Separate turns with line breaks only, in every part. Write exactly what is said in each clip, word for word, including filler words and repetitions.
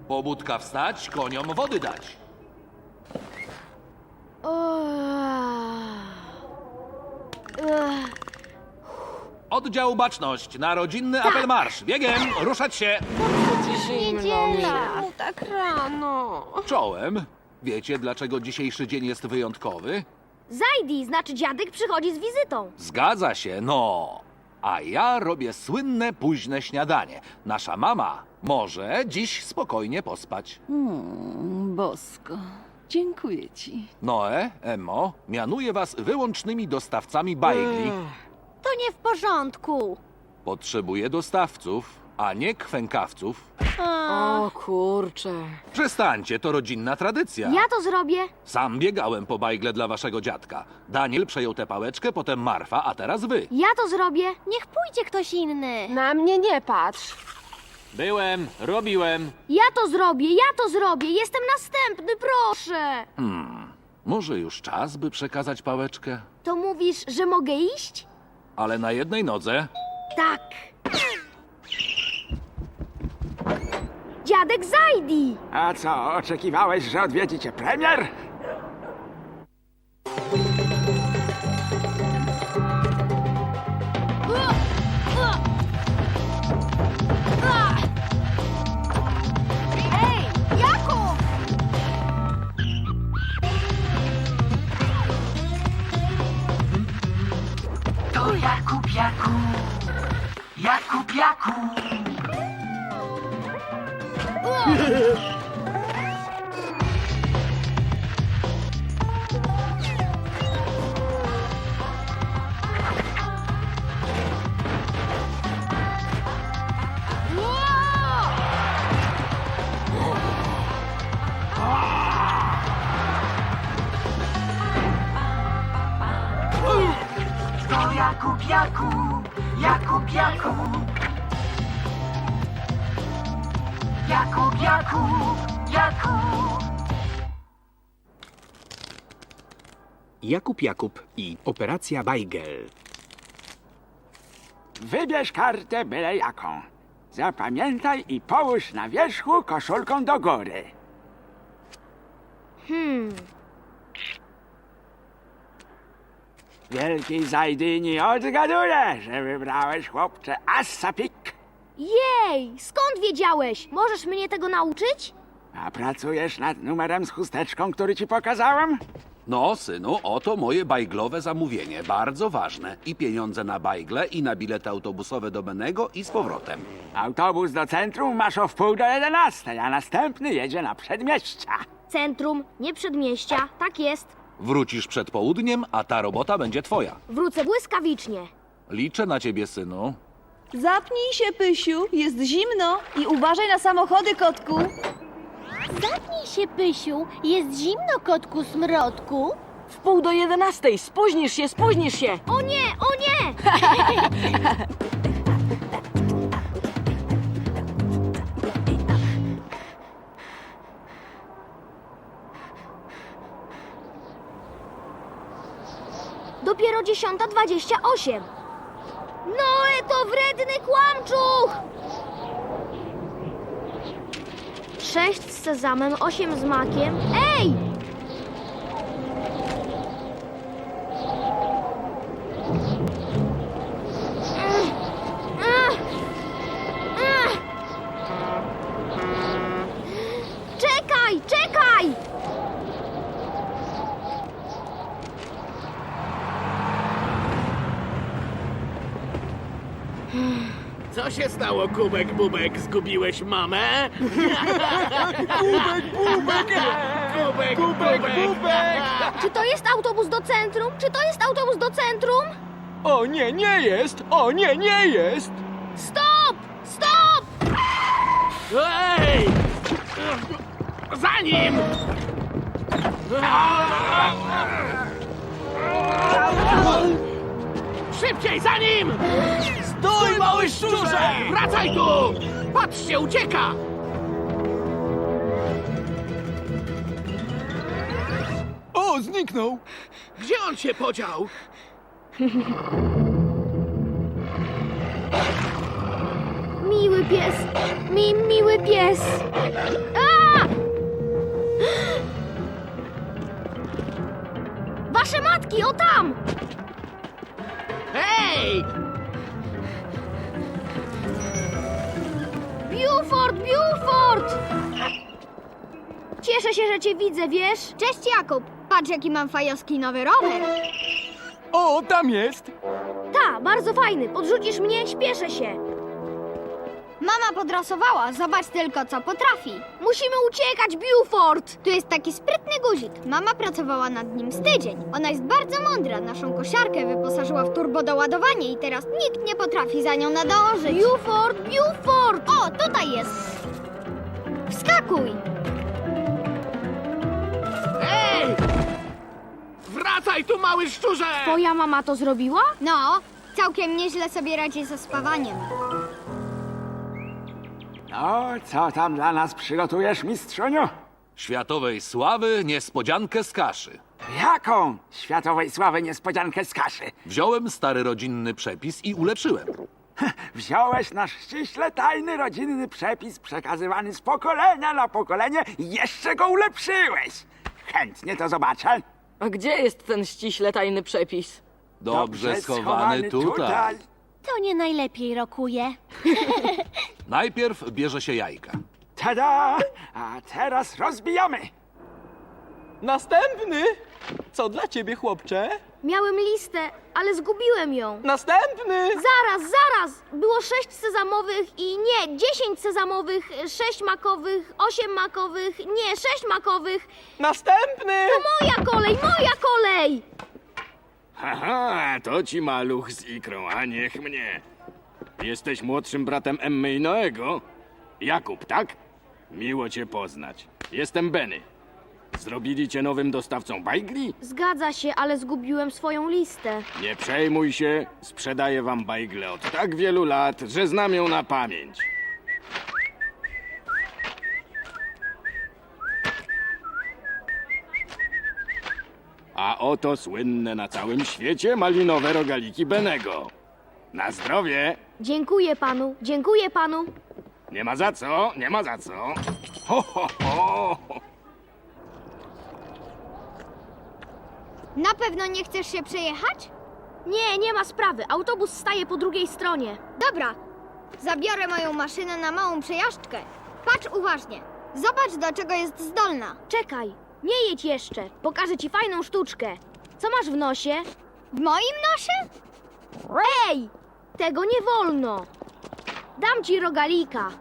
Pobudka wstać, koniom wody dać. Oddział Baczność na rodzinny apel marsz. Biegiem, ruszać się.
Zimno mi.
Czemu tak rano?
Czołem. Wiecie, dlaczego dzisiejszy dzień jest wyjątkowy?
Zajdi, znaczy dziadek przychodzi z wizytą.
Zgadza się, no. A ja robię słynne późne śniadanie. Nasza mama może dziś spokojnie pospać.
Bosko, dziękuję ci.
Noe, Emmo, mianuję was wyłącznymi dostawcami bajgli.
To nie w porządku.
Potrzebuję dostawców, a nie kwękawców.
O kurczę.
Przestańcie, to rodzinna tradycja.
Ja to zrobię.
Sam biegałem po bajgle dla waszego dziadka. Daniel przejął tę pałeczkę, potem Marfa, a teraz wy.
Ja to zrobię. Niech pójdzie ktoś inny.
Na mnie nie patrz.
Byłem, robiłem.
Ja to zrobię, ja to zrobię. Jestem następny, proszę.
Może już czas, by przekazać pałeczkę?
To mówisz, że mogę iść?
Ale na jednej nodze.
Tak. Dziadek Zajdi.
A co, oczekiwałeś, że odwiedzi cię premier?
Ej, Jakub!
To Jakub, Jakub, Jakub, Jakub. To Jakub, Jakub, Jakub, Jakub. Jakub, Jakub, Jakub.
Jakub Jakub i Operacja Bajgel.
Wybierz kartę byle jaką. Zapamiętaj i połóż na wierzchu koszulką do góry.
Hmm.
Wielkiej Zajdy nie odgaduję, że wybrałeś, chłopcze, assapik.
Jej, skąd wiedziałeś? Możesz mnie tego nauczyć?
A pracujesz nad numerem z chusteczką, który ci pokazałem?
No, synu, oto moje bajglowe zamówienie. Bardzo ważne. I pieniądze na bajgle, i na bilety autobusowe do Benego i z powrotem.
Autobus do centrum masz o wpół do jedenastej, a następny jedzie na przedmieścia.
Centrum, nie przedmieścia, tak jest.
Wrócisz przed południem, a ta robota będzie twoja.
Wrócę błyskawicznie.
Liczę na ciebie, synu.
Zapnij się, Pysiu, jest zimno i uważaj na samochody, kotku.
Zapnij się, Pysiu, jest zimno, kotku smrodku.
W pół do jedenastej, spóźnisz się, spóźnisz się.
O nie, o nie! Dopiero dziesiąta dwadzieścia osiem. Noe, to wredny kłamczuch! Sześć z sezamem, osiem z makiem. Ej! Ech, ech, ech. Czekaj, czekaj!
Co się stało, Kubek Bubek? Zgubiłeś mamę? Kubek Bubek! Kubek Bubek!
Czy to jest autobus do centrum? Czy to jest autobus do centrum?
O nie, nie jest! O nie, nie jest!
Stop! Stop!
Ej! Za nim! Szybciej, za nim! Stój, mały szczurze! Wracaj tu! Patrzcie, ucieka!
O, zniknął!
Gdzie on się podział?
Miły miły pies. Mi, miły pies. A! Wasze matki, o tam!
Hej!
Buford, Buford! Cieszę się, że cię widzę, wiesz? Cześć, Jakub. Patrz, jaki mam fajowski nowy rower.
O, tam jest!
Ta, bardzo fajny. Podrzucisz mnie? Śpieszę się. Mama podrasowała. Zobacz tylko, co potrafi. Musimy uciekać, Buford! Tu jest taki sprytny guzik. Mama pracowała nad nim z tydzień. Ona jest bardzo mądra. Naszą kosiarkę wyposażyła w turbodoładowanie i teraz nikt nie potrafi za nią nadążyć. Buford, Buford! O, tutaj jest. Wskakuj!
Hej! Wracaj tu, mały szczurze!
Twoja mama to zrobiła? No, całkiem nieźle sobie radzi ze spawaniem.
No, co tam dla nas przygotujesz, mistrzuniu?
Światowej sławy niespodziankę z kaszy.
Jaką światowej sławy niespodziankę z kaszy?
Wziąłem stary rodzinny przepis i ulepszyłem.
Wziąłeś nasz ściśle tajny rodzinny przepis przekazywany z pokolenia na pokolenie i jeszcze go ulepszyłeś. Chętnie to zobaczę.
A gdzie jest ten ściśle tajny przepis?
Dobrze schowany tutaj.
To nie najlepiej rokuje.
Najpierw bierze się jajka.
Tada! A teraz rozbijamy.
Następny! Co dla ciebie, chłopcze?
Miałem listę, ale zgubiłem ją.
Następny!
Zaraz, zaraz! Było sześć sezamowych i nie, dziesięć sezamowych, sześć makowych, osiem makowych, nie, sześć makowych.
Następny!
To moja kolej, moja kolej!
Haha, to ci maluch z ikrą, a niech mnie. Jesteś młodszym bratem Emmy i Noego? Jakub, tak? Miło cię poznać. Jestem Benny. Zrobili cię nowym dostawcą bajgli?
Zgadza się, ale zgubiłem swoją listę.
Nie przejmuj się, sprzedaję wam bajgle od tak wielu lat, że znam ją na pamięć. A oto słynne na całym świecie malinowe rogaliki Benego. Na zdrowie!
Dziękuję panu, dziękuję panu.
Nie ma za co, nie ma za co. Ho, ho, ho.
Na pewno nie chcesz się przejechać? Nie, nie ma sprawy. Autobus staje po drugiej stronie. Dobra, zabiorę moją maszynę na małą przejażdżkę. Patrz uważnie. Zobacz, do czego jest zdolna. Czekaj, nie jedź jeszcze. Pokażę ci fajną sztuczkę. Co masz w nosie? W moim nosie? Ej, tego nie wolno. Dam ci rogalika.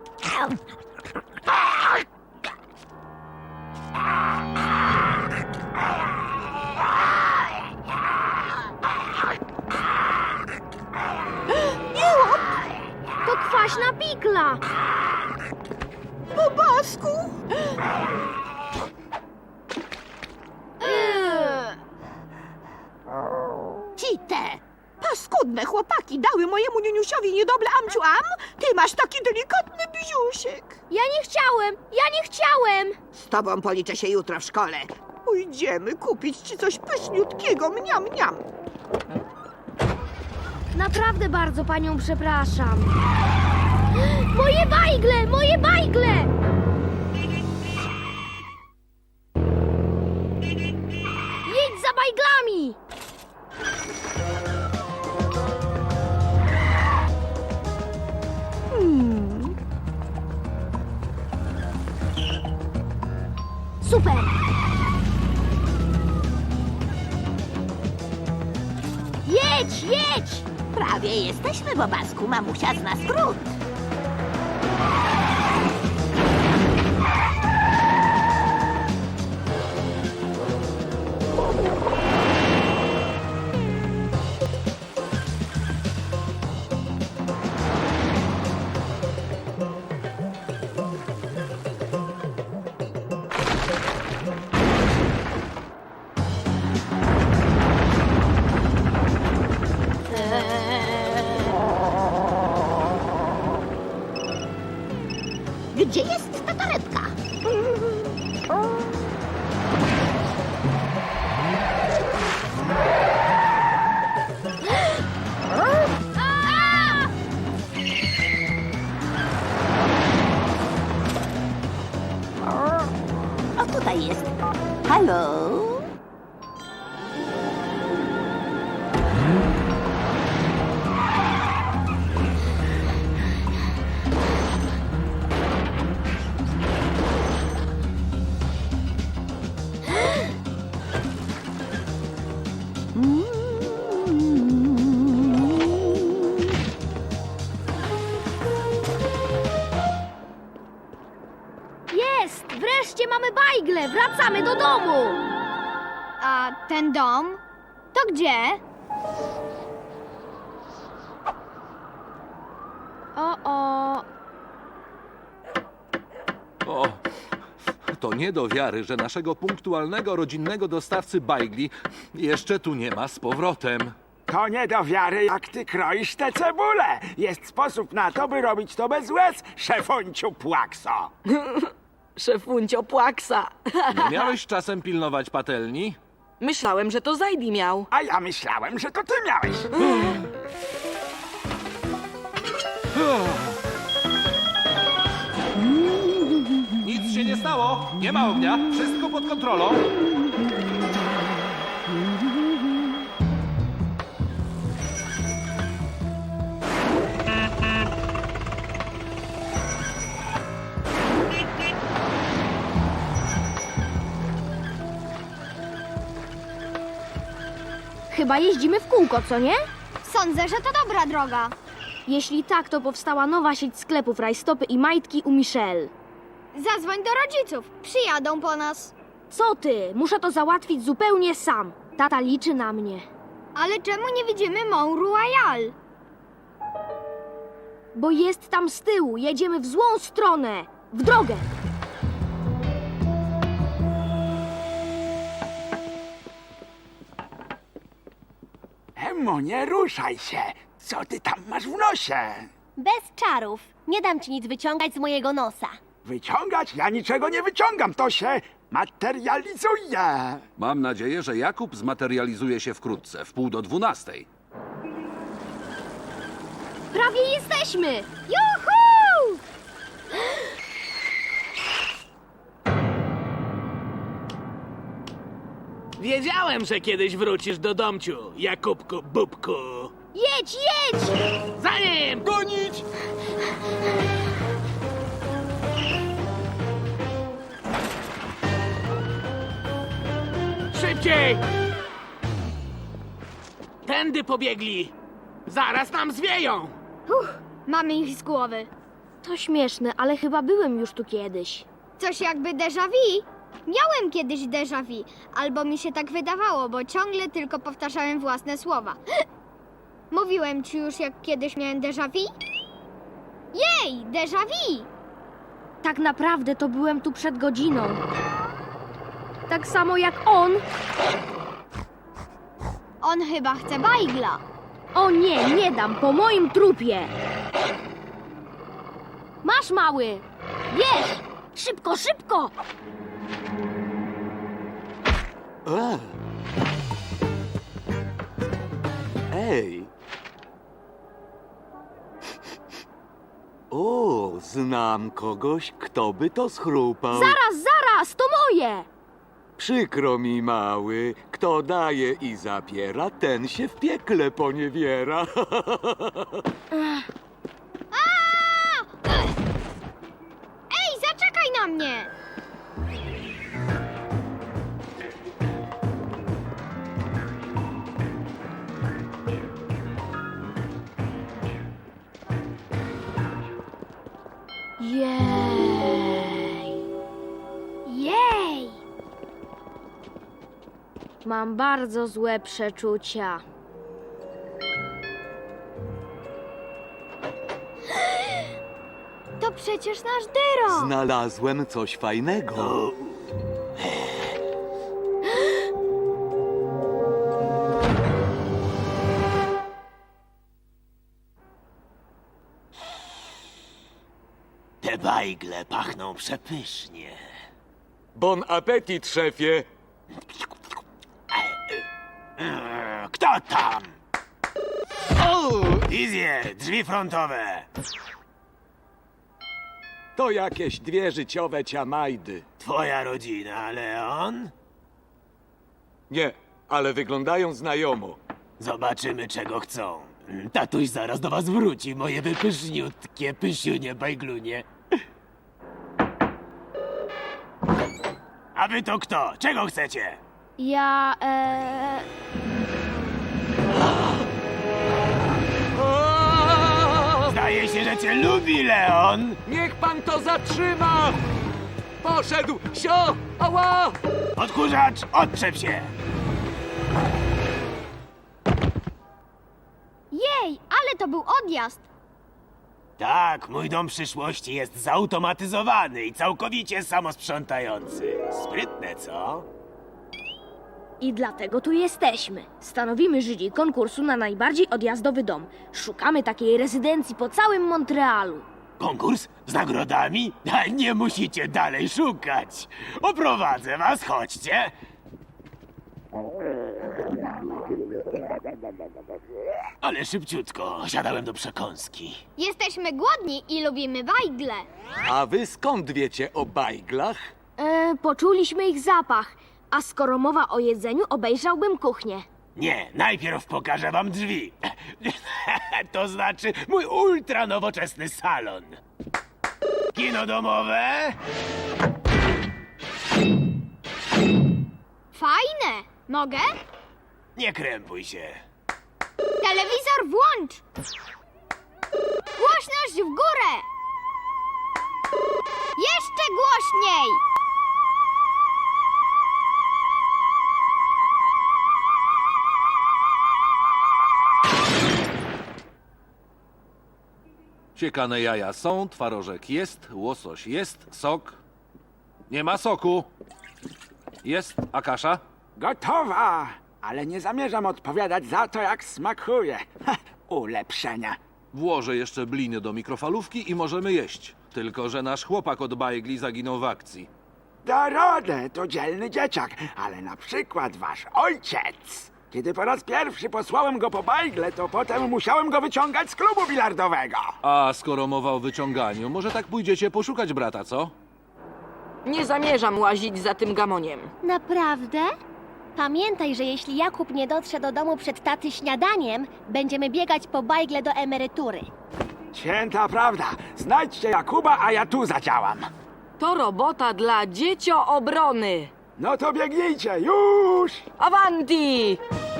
To kwaśna pikla.
Bobasku! Ci te paskudne chłopaki dały mojemu niuniusiowi niedoble amciu-am. Ty masz taki delikatny biziusiek.
Ja nie chciałem, ja nie chciałem.
Z tobą policzę się jutro w szkole. Pójdziemy kupić ci coś pyszniutkiego, mniam, mniam.
Naprawdę bardzo panią przepraszam. Moje bajgle, moje bajgle! Jedź za bajglami! Hmm. Super! Jedź, jedź!
Prawie jesteśmy, Bobasku. Mamusia zna skrót. Gdzie jest ta torebka?
Jest! Wreszcie mamy bajgle! Wracamy do domu! A ten dom? To gdzie? O, o.
O, to nie do wiary, że naszego punktualnego rodzinnego dostawcy bajgli jeszcze tu nie ma z powrotem.
To nie do wiary, jak ty kroisz te cebule. Jest sposób na to, by robić to bez łez, szefunciu Płakso.
Szefuncio Płaksa.
Nie miałeś czasem pilnować patelni?
Myślałem, że to Zajdi miał.
A ja myślałem, że to ty miałeś.
Nic się nie stało, nie ma ognia, wszystko pod kontrolą.
Chyba jeździmy w kółko, co nie? Sądzę, że to dobra droga. Jeśli tak, to powstała nowa sieć sklepów Rajstopy i Majtki u Michelle. Zadzwoń do rodziców, przyjadą po nas. Co ty? Muszę to załatwić zupełnie sam. Tata liczy na mnie. Ale czemu nie widzimy Mont Royal? Bo jest tam z tyłu, jedziemy w złą stronę. W drogę!
Emmo, nie ruszaj się. Co ty tam masz w nosie?
Bez czarów. Nie dam ci nic wyciągać z mojego nosa.
Wyciągać? Ja niczego nie wyciągam, to się materializuje.
Mam nadzieję, że Jakub zmaterializuje się wkrótce, w pół do dwunastej.
Prawie jesteśmy! Juhu!
Wiedziałem, że kiedyś wrócisz do domciu, Jakubku Bubku.
Jedź, jedź!
Za nim!
Gonić!
Szybciej! Tędy pobiegli! Zaraz nam zwieją!
Uff, mamy ich z głowy. To śmieszne, ale chyba byłem już tu kiedyś. Coś jakby déjà vu. Miałem kiedyś déjà vu, albo mi się tak wydawało, bo ciągle tylko powtarzałem własne słowa. Mówiłem ci już, jak kiedyś miałem déjà vu? Jej, déjà vu! Tak naprawdę to byłem tu przed godziną. Tak samo jak on. On chyba chce bajgla. O nie, nie dam, po moim trupie. Masz, mały. Bierz! Szybko, szybko!
A. Ej! O, znam kogoś, kto by to schrupał.
Zaraz, zaraz, to moje!
Przykro mi, mały. Kto daje i zabiera, ten się w piekle poniewiera.
Ej, zaczekaj na mnie! Jej! Jej! Mam bardzo złe przeczucia. To przecież nasz Dyro!
Znalazłem coś fajnego.
Te bajgle pachną przepysznie.
Bon appetit, szefie.
Kto tam? O! Izje, drzwi frontowe.
To jakieś dwie życiowe ciamajdy.
Twoja rodzina, Leon?
Nie, ale wyglądają znajomo.
Zobaczymy, czego chcą. Tatuś zaraz do was wróci, moje wypyszniutkie, pysiunie, bajglunie. A wy to kto? Czego chcecie?
Ja, e...
Zdaje się, że cię lubi, Leon.
Niech pan to zatrzyma! Poszedł! Sio! Ała!
Odkurzacz, odczep się.
Jej, ale to był odjazd.
Tak, mój dom przyszłości jest zautomatyzowany i całkowicie samosprzątający. Sprytne, co?
I dlatego tu jesteśmy. Stanowimy jury konkursu na najbardziej odjazdowy dom. Szukamy takiej rezydencji po całym Montrealu.
Konkurs z nagrodami? A nie musicie dalej szukać. Oprowadzę was, chodźcie. Ale szybciutko, siadałem do przekąski.
Jesteśmy głodni i lubimy bajgle.
A wy skąd wiecie o bajglach?
E, poczuliśmy ich zapach. A skoro mowa o jedzeniu, obejrzałbym kuchnię.
Nie, najpierw pokażę wam drzwi. To znaczy mój ultra nowoczesny salon. Kino domowe?
Fajne. Mogę?
Nie krępuj się.
Telewizor włącz. Głośność w górę. Jeszcze głośniej.
Siekane jaja są, twarożek jest, łosoś jest, sok. Nie ma soku. Jest, a kasza?
Gotowa, ale nie zamierzam odpowiadać za to, jak smakuje. Ha, ulepszenia.
Włożę jeszcze bliny do mikrofalówki i możemy jeść. Tylko że nasz chłopak od bajgli zaginął w akcji.
Da radę, to dzielny dzieciak, ale na przykład wasz ojciec. Kiedy po raz pierwszy posłałem go po bajgle, to potem musiałem go wyciągać z klubu bilardowego.
A skoro mowa o wyciąganiu, może tak pójdziecie poszukać brata, co?
Nie zamierzam łazić za tym gamoniem.
Naprawdę? Pamiętaj, że jeśli Jakub nie dotrze do domu przed taty śniadaniem, będziemy biegać po bajgle do emerytury.
Święta prawda. Znajdźcie Jakuba, a ja tu zadziałam.
To robota dla dziecioobrony.
No to biegnijcie, już!
Avanti!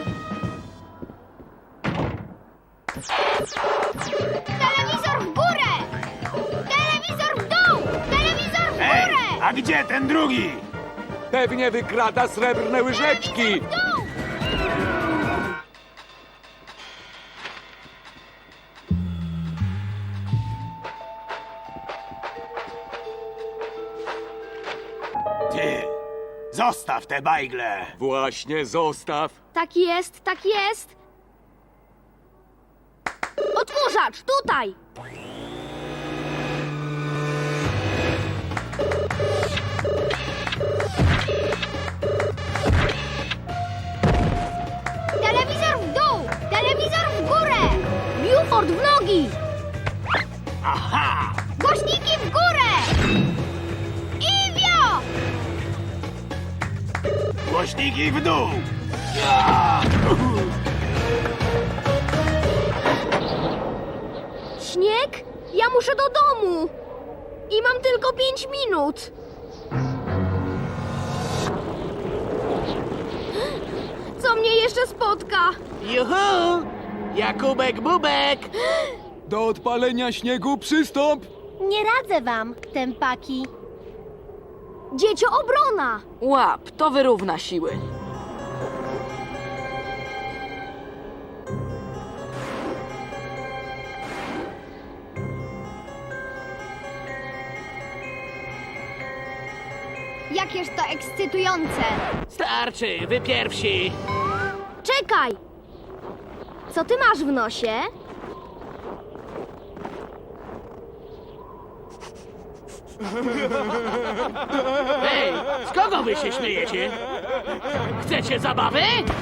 Telewizor w górę! Telewizor w dół! Telewizor w
Ej,
górę!
a gdzie ten drugi?
Pewnie wykrada srebrne łyżeczki!
W dół!
Ty, zostaw te bajgle.
Właśnie zostaw!
Tak jest, tak jest. Odkurzacz, tutaj!
Telewizor w dół! Telewizor w górę!
Buford w nogi!
Aha!
Głośniki w górę! Iwio!
Głośniki w dół!
Śnieg? Ja muszę do domu! I mam tylko pięć minut! Co mnie jeszcze spotka?
Juhu! Jakubek Bubek!
Do odpalenia śniegu przystąp!
Nie radzę wam, tępaki.
Dziecioobrona!
Łap, to wyrówna siły.
Jakież to ekscytujące.
Starczy, wy pierwsi!
Czekaj! Co ty masz w nosie?
Ej, z kogo wy się śmiejecie? Chcecie zabawy?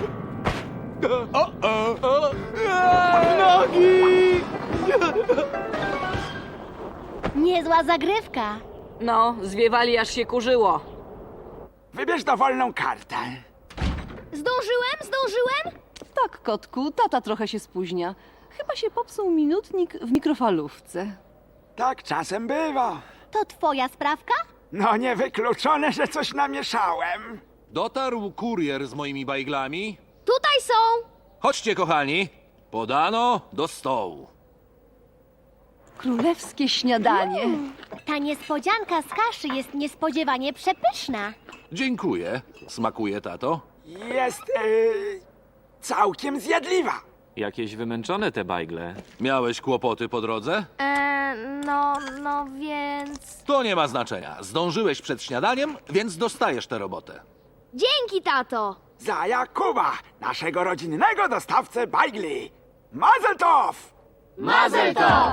Niezła zagrywka.
No, zwiewali aż się kurzyło.
Wybierz dowolną kartę.
Zdążyłem? Zdążyłem?
tak, kotku, tata trochę się spóźnia. Chyba się popsuł minutnik w mikrofalówce.
Tak czasem bywa.
To twoja sprawka?
No niewykluczone, że coś namieszałem.
Dotarł kurier z moimi bajglami.
Tutaj są!
Chodźcie, kochani. Podano do stołu.
Królewskie śniadanie.
Ta niespodzianka z kaszy jest niespodziewanie przepyszna.
Dziękuję. Smakuje, tato?
Jest yy, całkiem zjadliwa.
Jakieś wymęczone te bajgle.
Miałeś kłopoty po drodze?
Eee, no, no więc...
To nie ma znaczenia. Zdążyłeś przed śniadaniem, więc dostajesz tę robotę.
Dzięki, tato!
Za Jakuba, naszego rodzinnego dostawcę bajgli. Mazel tov!
Mazel tov!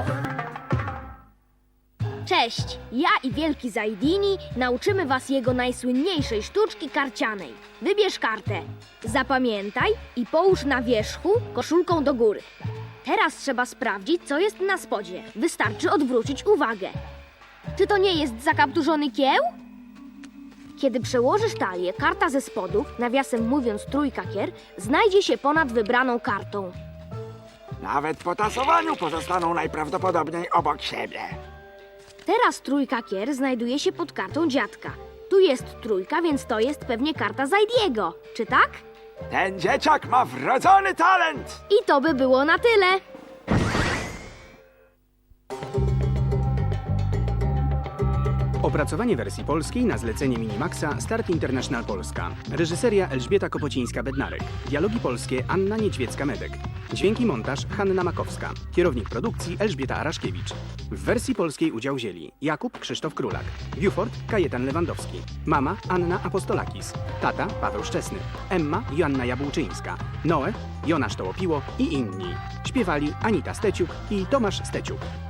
Cześć! Ja i Wielki Zajdini nauczymy was jego najsłynniejszej sztuczki karcianej. Wybierz kartę. Zapamiętaj i połóż na wierzchu koszulką do góry. Teraz trzeba sprawdzić, co jest na spodzie. Wystarczy odwrócić uwagę. Czy to nie jest zakapturzony kieł? Kiedy przełożysz talię, karta ze spodu, nawiasem mówiąc trójkakier, znajdzie się ponad wybraną kartą.
Nawet po tasowaniu pozostaną najprawdopodobniej obok siebie.
Teraz trójkakier znajduje się pod kartą dziadka. Tu jest trójka, więc to jest pewnie karta Zajdiego. Czy tak?
Ten dzieciak ma wrodzony talent.
I to by było na tyle.
Opracowanie wersji polskiej na zlecenie Minimaxa Start International Polska. Reżyseria Elżbieta Kopocińska-Bednarek. Dialogi polskie Anna Niedźwiecka-Medek. Dźwięki montaż Hanna Makowska. Kierownik produkcji Elżbieta Araszkiewicz. W wersji polskiej udział wzięli Jakub Krzysztof Królak, Buford Kajetan Lewandowski, mama Anna Apostolakis, tata Paweł Szczesny, Emma Joanna Jabłczyńska, Noe Jonasz Tołopiło i inni. Śpiewali Anita Steciuk i Tomasz Steciuk.